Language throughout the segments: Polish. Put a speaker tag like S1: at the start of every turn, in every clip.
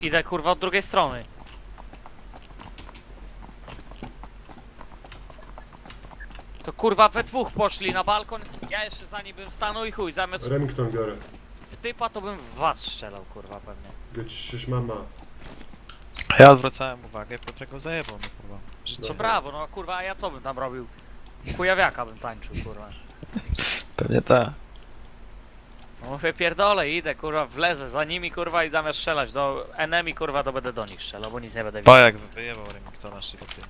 S1: Idę kurwa od drugiej strony. To kurwa we dwóch poszli na balkon, ja jeszcze za nim bym stanął i chuj, zamiast
S2: Remington biorę.
S1: w typa to bym w was strzelał kurwa pewnie.
S2: Gdzieś mama.
S3: Ja odwracałem uwagę, Piotrek go zajebał, no kurwa. Że
S1: Co
S2: Dobra.
S1: brawo, no kurwa, a ja co bym tam robił? Chujawiaka bym tańczył kurwa.
S3: Pewnie tak.
S1: No mówię pierdolę, idę kurwa, wlezę za nimi kurwa i zamiast strzelać do enemy kurwa to będę do nich strzelał, bo nic nie będę widział.
S3: Pajak wyjebał Remingtona szybko.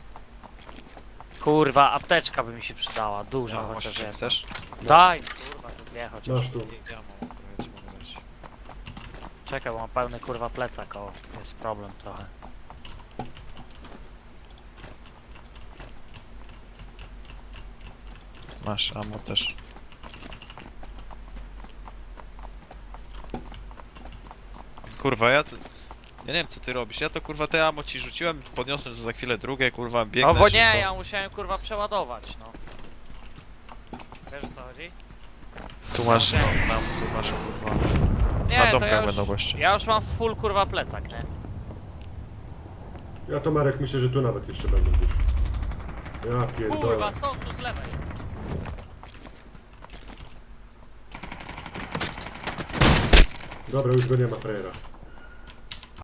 S1: Kurwa, apteczka by mi się przydała, duża
S3: No,
S1: chociaż
S3: chociaż
S1: jedna.
S3: chcesz?
S1: Daj kurwa, to dwie chociaż.
S2: Masz tu.
S3: Ja mam, ja ci mogę dać.
S1: Czekaj, bo mam pełny kurwa plecak, o, jest problem trochę.
S3: Masz, ammo też. Kurwa, ja nie wiem co ty robisz, ja to kurwa te ammo ci rzuciłem, podniosłem za chwilę drugie, kurwa, biegnę
S1: No bo nie,
S3: szybko.
S1: ja musiałem kurwa przeładować, no. Wiesz o co chodzi?
S3: Tu masz, no, tu masz kurwa.
S1: Nie,
S3: Na
S1: to
S3: domkach
S1: ja już,
S3: będą goście.
S1: ja już mam full kurwa plecak, nie?
S2: Ja to Marek myślę, że tu nawet jeszcze będą gdzieś. Ja pierdolę.
S1: Kurwa, są tu z lewej.
S2: Dobra, już go nie ma frajera.